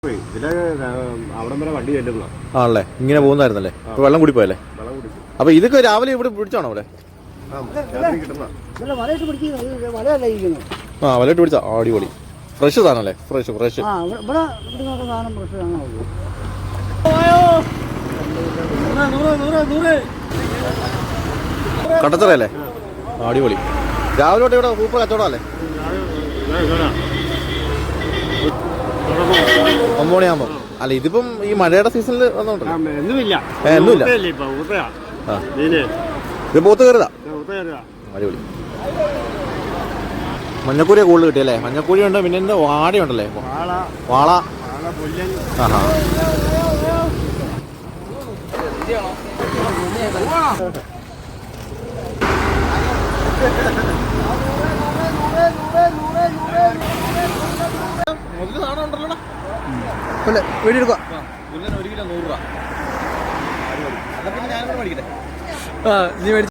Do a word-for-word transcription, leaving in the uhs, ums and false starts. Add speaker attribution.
Speaker 1: അവിടം വരെ വണ്ടി ചെല്ലുന്ന
Speaker 2: ആണല്ലേ, ഇങ്ങനെ പോകുന്നായിരുന്നല്ലേ? വെള്ളം കൂടി പോയല്ലേ? അപ്പൊ ഇതൊക്കെ രാവിലെ ഇവിടെ പിടിച്ചാണോ ഇവിടെ? ആ, വലയിട്ട് പിടിച്ചാ അടിപൊളി. ഫ്രഷ് സാധനല്ലേ? ഫ്രഷ് ഫ്രഷ് കട്ടച്ചറയല്ലേ? അടിപൊളി. രാവിലെ തൊട്ട് ഇവിടെ സൂപ്പർ കച്ചവടം അല്ലേ? ഒമ്പത് മണിയാകുമ്പോ. അല്ല, ഇതിപ്പം ഈ മഴയുടെ സീസണിൽ വന്നോണ്ടല്ലോ. ഒന്നുമില്ല. ഇത് പോത്ത് കയറുതാ. അടിപൊളി. മഞ്ഞക്കൂരിയെ കൂടുതൽ കിട്ടിയല്ലേ? മഞ്ഞക്കൂരി ഉണ്ട്, പിന്നെ എന്താ വാടയുണ്ടല്ലേ? വാള. ആഹാ. വീടെടുക്കുക. ഒരു കിലോ നൂറ് രൂപ. അതൊക്കെ ഞാൻ മേടിക്കട്ടെ. ആ, നീ മേടിച്ചു.